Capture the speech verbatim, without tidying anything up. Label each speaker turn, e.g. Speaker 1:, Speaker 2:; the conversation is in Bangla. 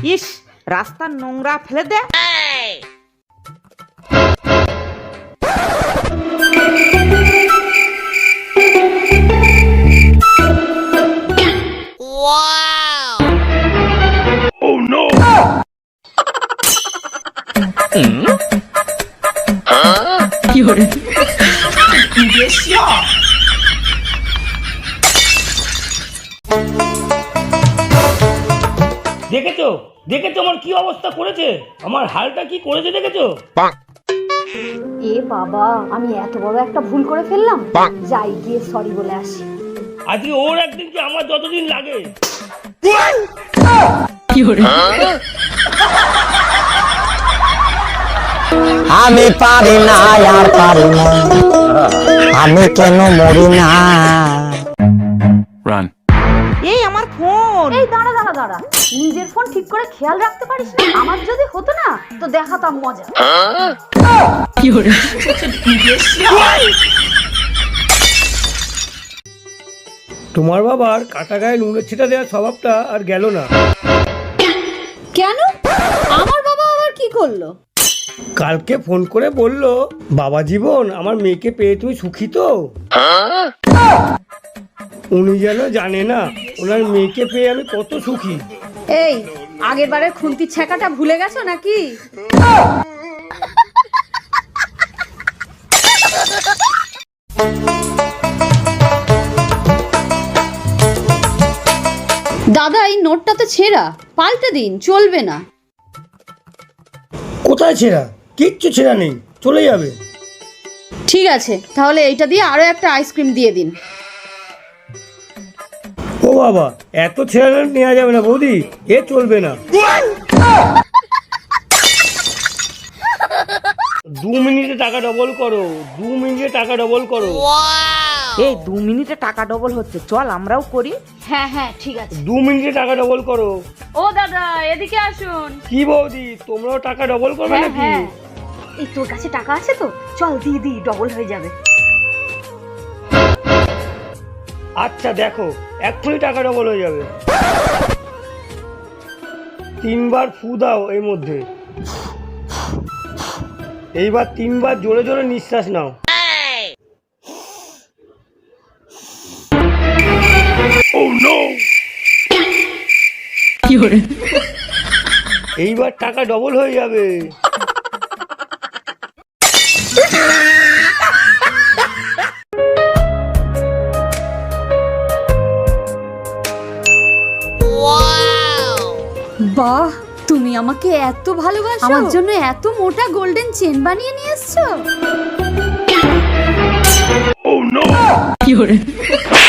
Speaker 1: ইস, রাস্তার নোংরা ফেলে দে।
Speaker 2: কি হরে
Speaker 3: দেখেছো দেখেছো আমার কি অবস্থা করেছে, আমার হালটা কি করেছে দেখেছো?
Speaker 4: এ বাবা, আমি এত বড় একটা ভুল করে ফেললাম। যাই গিয়ে সরি বলে আসি।
Speaker 3: আজকে ওর একদিন কি আমার যতদিন লাগে।
Speaker 2: কি হরে
Speaker 5: আমি পারি না আর পারি না, আমি কেন মরি না।
Speaker 6: রান
Speaker 1: এই আমার ফোন।
Speaker 4: এই দাঁড়া দাঁড়া দাঁড়া, নিজের ফোন ঠিক করে খেয়াল রাখতে পারিস না? আমার যদি হতো না তো দেখাতাম মজা।
Speaker 2: কি হরে
Speaker 3: তোমার বাবার কাটা গায়ে নুনের ছিটা দেওয়ার স্বভাবটা আর গেল না।
Speaker 4: কেন? আমার বাবা আবার কি করলো?
Speaker 3: কালকে ফোন করে বলল, বাবা জীবন আমার মেয়েকে পেয়ে তুমি সুখী তো? উনি যেন জানে না ওনার মেয়েকে পেয়ে আমি কত সুখী।
Speaker 4: এই আগের বারের খুন্তি ছেঁকাটা ভুলে গেছো নাকি? দাদা, এই নোটটা তো ছেঁড়া, পাল্টে দিন, চলবে না।
Speaker 3: কোথায় ছেঁড়া? কিচ্ছু ছেঁড়া নেই, চলে যাবে।
Speaker 4: ঠিক আছে, তাহলে এইটা দিয়ে আরো একটা আইসক্রিম দিয়ে দিন।
Speaker 3: ও বাবা, এত ছেঁড়া নোট নেওয়া যাবে না বৌদি, এ চলবে না। দু মিনিটে টাকা ডবল করো, দু মিনিটে টাকা ডবল করো।
Speaker 1: এই দু মিনিটে টাকা ডবল হচ্ছে, চল আমরাও করি।
Speaker 4: হ্যাঁ হ্যাঁ ঠিক আছে।
Speaker 3: দু মিনিটে টাকা ডবল করো।
Speaker 4: ও দাদা, এদিকে আসুন।
Speaker 3: কি বৌদি, তোমরাও টাকা ডবল করবে
Speaker 4: হ্যাঁ
Speaker 3: নাকি?
Speaker 4: হ্যাঁ, এই তোর কাছে টাকা আছে তো, চল দি দি, ডবল হয়ে যাবে।
Speaker 3: আচ্ছা দেখো, এক্ষুনি টাকা ডবল হয়ে যাবে। তিনবার ফু দাও এর মধ্যে, এইবার তিনবার জোরে জোরে নিঃশ্বাস নাও।
Speaker 2: কি হরে
Speaker 3: এইবার টাকা ডবল হয়ে যাবে।
Speaker 4: বাহ, তুমি আমাকে এত ভালোবাসো, আমার জন্য এত মোটা গোল্ডেন চেন বানিয়ে নিয়ে এসছো।
Speaker 2: কি হরে